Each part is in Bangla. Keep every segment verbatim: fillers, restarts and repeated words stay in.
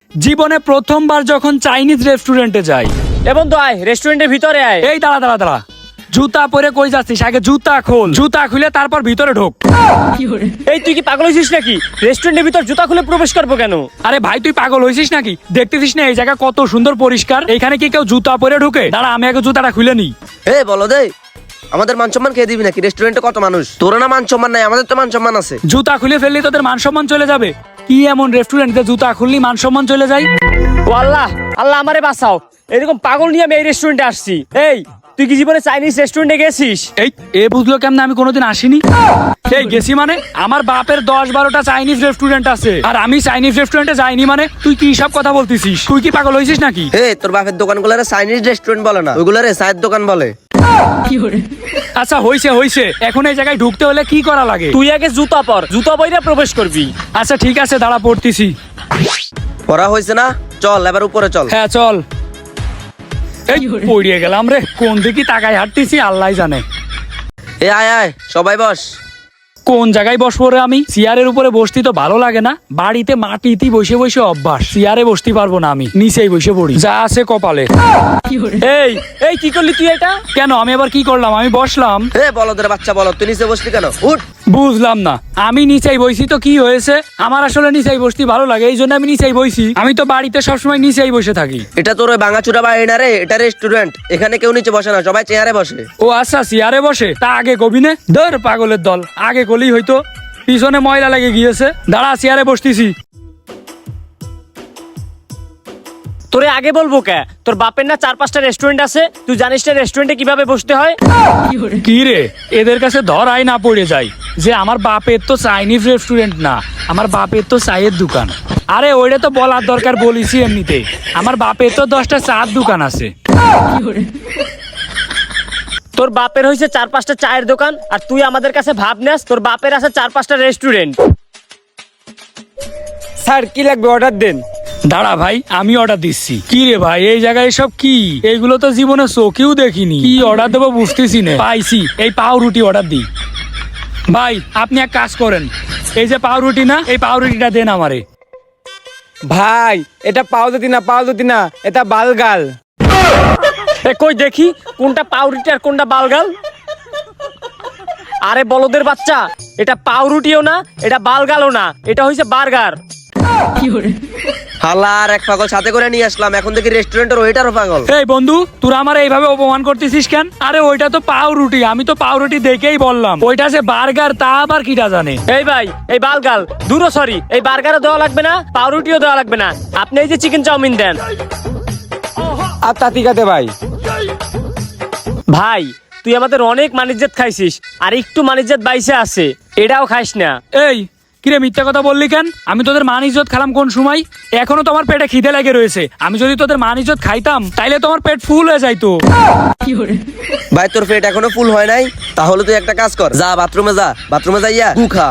জীবনে প্রথমবার যখন চাইনিজ রেস্টুরেন্টে যাই। এ বন্ধু আয় রেস্টুরেন্টের ভিতরে আয়। এই দাঁড়া দাঁড়া দাঁড়া, জুতা পরে কই যাচ্ছিস? আগে জুতা খোল, জুতা খুলে তারপর ভিতরে ঢোক। এই তুই কি পাগল হয়েছিস নাকি? রেস্টুরেন্টের ভিতর জুতা খুলে প্রবেশ করবো কেন? আরে ভাই তুই পাগল হয়েছিস নাকি? দেখতেছিস না এই জায়গা কত সুন্দর পরিষ্কার, এখানে কি কেউ জুতা পরে ঢুকে? দাঁড়া আমি আগে জুতাটা খুলে নি। এ বলো দে, আমাদের মান সম্মান খেয়ে দিবি নাকি? রেস্টুরেন্টে কত মানুষ, তোর না মান সম্মান নাই, আমাদের তো মান সম্মান আছে। জুতা খুলে ফেললি তোদের মান সম্মান চলে যাবে? কি এমন রেস্টুরেন্টে জুতা খুললি মান সম্মান চলে যায়? ও আল্লাহ, আল্লাহ আমারে বাঁচাও, এরকম পাগল নিয়ে আমি এই রেস্টুরেন্টে আসছি। এই তুই কি জীবনে চাইনিজ রেস্টুরেন্টে গেছিস? এই এ বুঝলো কেমন আমি কোনোদিন আসিনি? এই গেছি মানে? আমার বাপের দশ বারোটা চাইনিজ রেস্টুরেন্ট আছে, আর আমি চাইনিজ রেস্টুরেন্টে যাইনি মানে? তুই কি সব কথা বলতেছিস? তুই কি পাগল হয়েছিস নাকি? এ তোর বাপের দোকানগুলোরে চাইনিজ রেস্টুরেন্ট বলে না, ওইগুলোরে চায়ের দোকান বলে। আচ্ছা হইছে হইছে, এখন এই জায়গায় ঢুকতে হলে কি করা লাগে? তুই আগে জুতা পর, জুতা পরে প্রবেশ করবি। আচ্ছা ঠিক আছে দাঁড়া পড়তেছি। পড়া হয়েছে না? চল এবার উপরে চল। হ্যাঁ চল। এই পড়িয়ে গেলাম রে, কোন দিকে তাকায় হাঁটতেছি আল্লাহ জানে। এ আয় আয় সবাই বস। কোন জায়গায় বসবো রে আমি? চেয়ারের উপরে বসতে তো ভালো লাগে না, বাড়িতে মাটিতে বসে বসে অভ্যাস, চেয়ারে বসতে পারবো না আমি, নিচেই বসে পড়ি যা আছে কপালে। এই এই কি করলি তুই এটা? কেন আমি আবার কি করলাম? আমি বসলাম। এ বলদের বাচ্চা বলো, তুই নিচে বসলি কেন? উঠ। বুঝলাম না, আমি নিচেই বইছি তো কি হয়েছে? আমার আসলে নিচেই বসতে ভালো লাগে, এই জন্য আমি নিচেই বইছি। আমি তো বাড়িতে সবসময় নিচেই বসে থাকি। এটা তোর ওই ভাঙাচুরা বাড়ি না রে, এটা রেস্টুরেন্ট, এখানে কেউ নিচে বসে না, সবাই চেয়ারে বসে। ও আচ্ছা চেয়ারে বসে, তা আগে কবি নে। ধর পাগলের দল, আগে কলেই হয়তো, পিছনে ময়লা লেগে গিয়েছে। দাঁড়া চেয়ারে বসতেছি। তোরে আগে বলবো কে? তোর বাপের না চার পাঁচটা রেস্টুরেন্ট আছে, তুই জানিস না রেস্টুরেন্টে কিভাবে বসতে হয়? কি রে, এদের কাছে ধরাই না পড়ে যায় যে আমার বাপের তো চাইনিজ রেস্টুরেন্ট না, আমার বাপের তো চায়ের দোকান। আরে ওইটা তো বলার দরকার, বলিছি এমনিতে, আমার বাপের তো দশটা চার দোকান আছে। তোর বাপের হয়েছে চার পাঁচটা চায়ের দোকান, আর তুই আমাদের কাছে ভাব নেস তোর বাপের আছে চার পাঁচটা রেস্টুরেন্ট। স্যার কি লাগবে অর্ডার দেন। দাঁড়া ভাই আমি অর্ডার দিচ্ছি। কি রে ভাই এই জায়গায় সব কি? এইগুলো তো জীবনে চোখেও দেখিনি, কি অর্ডার দেবো বুঝতেছি না। পাইছি, এই পাউরুটি অর্ডার দিই। ভাই আপনি এক কাজ করেন, এই যে পাউরুটি না, এই পাউরুটিটা দেন আমারে। ভাই এটা পাউরুটি না, পাউরুটি না, এটা বালগাল। এ কই দেখি কোনটা পাউরুটি আর কোনটা বালগাল? আরে বলদের বাচ্চা, এটা পাউরুটিও না, এটা বালগালও না, এটা হইছে বার্গার। হাল্লা আর এক পাগল সাথে করে নিয়ে আসলাম, এখন দেখি রেস্টুরেন্টের ওইটারও পাগল। এই বন্ধু তোরা আমার এইভাবে অপমান করতেছিস কেন? আরে ওইটা তো পাউরুটি, আমি তো পাউরুটি দেখেই বললাম। ওইটা যে বার্গার তা আবার কিটা জানে? এই ভাই এই বালগাল দূর, সরি, এই বার্গারও দেওয়া লাগবে না, পাউরুটিও দেওয়া লাগবে না, আপনি এই যে চিকেন চাউমিন দেন। আর তাতিকাতে ভাই। ভাই তুই আমাদের অনেক মানিজ্জাত খাইছিস, আর একটু মানিজ্জাত বাইসে আছে, এটাও খাইস না। এই কিরে মিথ্যা কথা বললি কেন? আমি তোদের মান ইজ্জত খেলাম কোন সময়? এখনো তোমার পেটে খিদে লেগে রয়েছে, আমি যদি তোদের মান ইজ্জত খাইতাম তাইলে তোমার পেট ফুল হয়ে যাইতো। ভাই তোর পেট এখনো ফুল হয় নাই? তাহলে তুই একটা কাজ কর, যা বাথরুমে যা, বাথরুমে যাইয়া গু খা।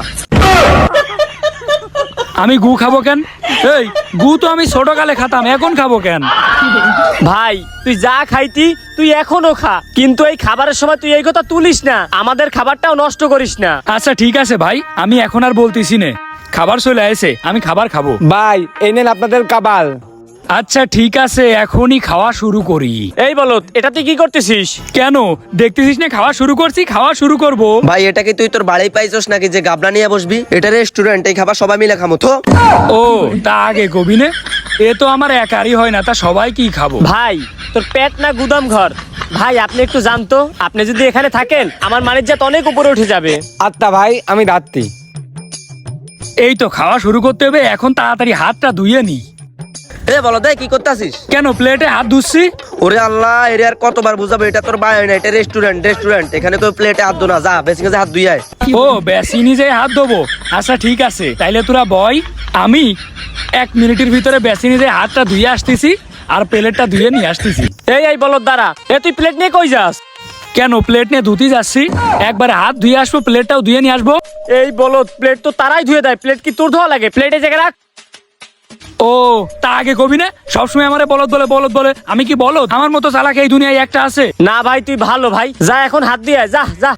আমি গু খাবো কেন? এই গু তো আমি ছোটকালে খাতাম, এখন খাবো কেন? ভাই তুই যা খাইতি তুই এখনো খা, কিন্তু এই খাবারের সময় তুই এই কথা তুলিস না, আমাদের খাবারটাও নষ্ট করিস না। আচ্ছা ঠিক আছে ভাই, আমি এখন আর বলতেছি নে, খাবার চলে আসে, আমি খাবার খাবো। ভাই এই নেন আপনাদের কাবাল। আচ্ছা ঠিক আছে এখনই খাওয়া শুরু করি। এই বলত, এটা তুই কি করতেছিস? কেন দেখতেছিস না খাওয়া শুরু করছি, খাওয়া শুরু করব। ভাই এটা কি তুই তোর বাড়ি পাইছস নাকি যে গাবলা নিয়ে বসবি? এটা রেস্টুরেন্ট, এই খাবার সবাই মিলে খামো তো। ও তা আগে কবি নে, এ তো আমার একারই হয় না, তা সবাই কি খাবো? ভাই তোর পেট না গুদাম ঘর? ভাই আপনি একটু জানতো, আপনি যদি এখানে থাকেন আমার মানিজ্জাত অনেক উপরে উঠে যাবে। আত্মা ভাই আমি রাত্রি। এই তো খাওয়া শুরু করতে হবে, এখন তাড়াতাড়ি হাতটা ধুয়ে নি। এ বলো দে কি করতেছিস? কেন প্লেটে হাত ধুচ্ছি? ওরে আল্লাহ, এর আর কতবার বুঝাবো, এটা তোর বাড়ি না, এটা রেস্টুরেন্ট। রেস্টুরেন্ট এখানে কেউ প্লেটে হাত দো না, যা বেশি কাছে হাত ধুই আয়। ও বেশি নিজে হাত ধোবো? আচ্ছা ঠিক আছে তাইলে তোরা বয়, আমি এক মিনিটের ভিতরে বেশি নিজে হাতটা ধুয়ে আসতেছি আর প্লেটটা ধুয়ে নিয়ে আসতেছি। এই এই বলত দ্বারা, এ তুই প্লেট নিয়ে কই যাস? কেন প্লেট নিয়ে ধুতে যাচ্ছি, একবারে হাত ধুয়ে আসবো, প্লেটটাও ধুয়ে নিয়ে আসবো। এই বলত, প্লেট তো তারাই ধুয়ে দেয়, প্লেট কি তোর ধোয়া লাগে? প্লেটে জায়গা রাখ। ও তা আগে কবি না, সবসময় আমারে বলদ বলে বলদ বলে, আমি কি বলদ? আমার মতো চালাক এই দুনিয়ায় একটা আছে? না ভাই তুই ভালো ভাই, যা এখন হাত দিয়ে আয়, যা যা।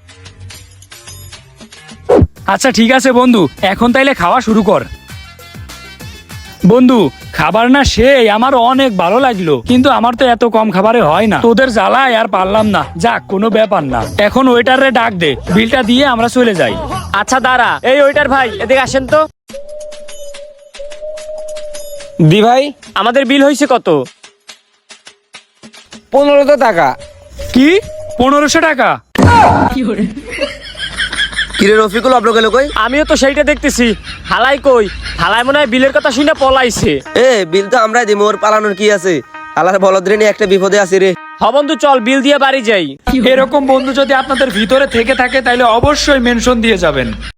আচ্ছা ঠিক আছে বন্ধু, এখন তাইলে খাওয়া শুরু কর। বন্ধু খাবার না সেই আমার অনেক ভালো লাগলো, কিন্তু আমার তো এত কম খাবারে হয় না, তোদের জ্বালায় আর পারলাম না। যাক, কোনো ব্যাপার না, এখন ওয়েটারে ডাক দে, বিলটা দিয়ে আমরা চলে যাই। আচ্ছা দাঁড়া, এই ওইটার ভাই এদিকে আসেন তো। দি ভাই, আমাদের বিল হয়েছে কত? পনেরোশো টাকা। কি পনেরোশো টাকা? কিরে রফিকুল, আপনার গেল কই? আমিও তো সেইটা দেখতেছি। হালাই কই? হালাই মনে হয় বিলের কথা শুনে পলাইছে। এ বিল তো আমরাই দিমু, ওর পালানোর কি আছে? আলার বলদ্রে নিয়ে একটা বিপদে আছি রে। হ বন্ধু, চল বিল দিয়ে বাড়ি যাই। এরকম বন্ধু যদি আপনাদের ভিতরে থেকে থাকে তাহলে অবশ্যই মেনশন দিয়ে যাবেন।